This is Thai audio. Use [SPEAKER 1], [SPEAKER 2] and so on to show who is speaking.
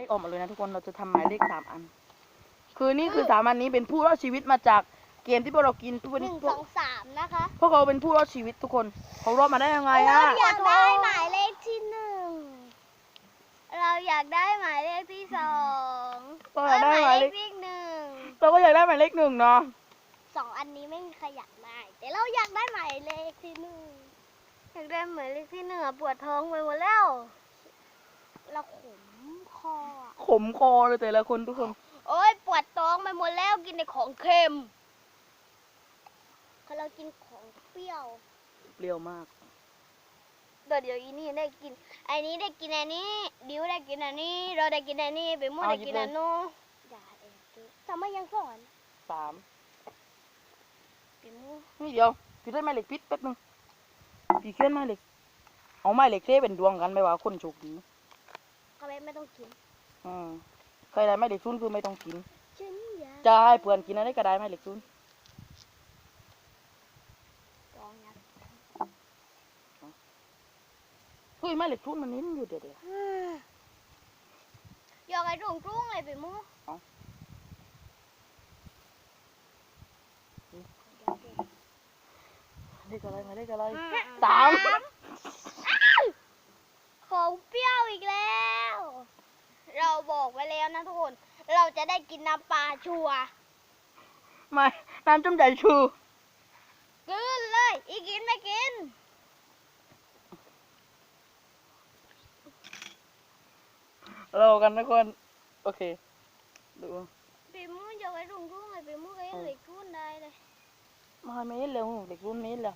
[SPEAKER 1] ขออกมาเลยนะทุกคนเราจะทำหมายเลข3 อันคือนี่คือ3 อันนี้เป็นผู้รอดชีวิตมาจากเกมที่พวกเรากินทุกวัน
[SPEAKER 2] 1
[SPEAKER 1] นี้
[SPEAKER 2] 2 3นะคะ
[SPEAKER 1] พวกเขาเป็นผู้รอดชีวิตทุกคนเขารอดมาได้ยังไงอะ
[SPEAKER 2] อยากได้หมายเลขที่ 1เราอยากได้หมายเลขที่ 2
[SPEAKER 1] เราอยากได้หมายเลข
[SPEAKER 2] ที่
[SPEAKER 1] เราก็อยากได้หมายเลข 1เนาะ
[SPEAKER 2] 1 2อันนี้ไม่มีใครอยากได้แต่เราอยากได้หมายเลขที่ 1อยากได้หมายเลขที่ 1อะปวดท้องไปหมดแล้วเราขมคออะ
[SPEAKER 1] ขมคอเลยแต่ละคนทุกคน
[SPEAKER 2] โอ๊ยปวดท้องไปหมดแล้วกินแต่ของเค็มพอเรากินของเปรี้ยว
[SPEAKER 1] เปรี้ยวมาก
[SPEAKER 2] เดี๋ยวอีนี่ได้กินไอ้นี้ได้กินอันนี้ดิวได้กินอันนี้เราได้กินอันนี้ไปมั่วได้กินอันนู้นอย่าเองทำไมยังสอน
[SPEAKER 1] 3
[SPEAKER 2] ไปมั่ว
[SPEAKER 1] นี่เดียวพี่ได้หมายเลขพิษแป๊บนึงพี่เขียนหมายเลขเอาหมายเลขเท่เป็นดวงกันไม่ว่าคนโชคดี
[SPEAKER 2] ก็ไม่ต้องกิน
[SPEAKER 1] ใครได้หมายเลข0คือไม่ต้องกิน
[SPEAKER 2] ฉันอยาก
[SPEAKER 1] จะให้เพื่อนกินอะไรก็ได้หมายเลข0
[SPEAKER 2] ลองอยาก
[SPEAKER 1] เฮ้ยหมายเลข0มันนิ้นอยู่เดี๋ยว
[SPEAKER 2] อยากไอ้รุ่งเลยไปมั่ว
[SPEAKER 1] เลขอะไรหมายเลขอะไร
[SPEAKER 2] 3
[SPEAKER 1] 3
[SPEAKER 2] ของเปรี้ยวอีกแล้ว เราบอกไว้แล้วนะทุกคนเราจะได้กินน้ำปลาชัวร์
[SPEAKER 1] ไม่น้ำจุ่มใจชู
[SPEAKER 2] กินเลยอีกินไม่กิน
[SPEAKER 1] เรากันทุกคนโอเคดู
[SPEAKER 2] ไปมั่วอยากไอ้รุ่งเลยไปมั่วก็ยังเหล็กรุ่นได้เลย
[SPEAKER 1] มาไม่เห็นเลยเลข0นี้เลย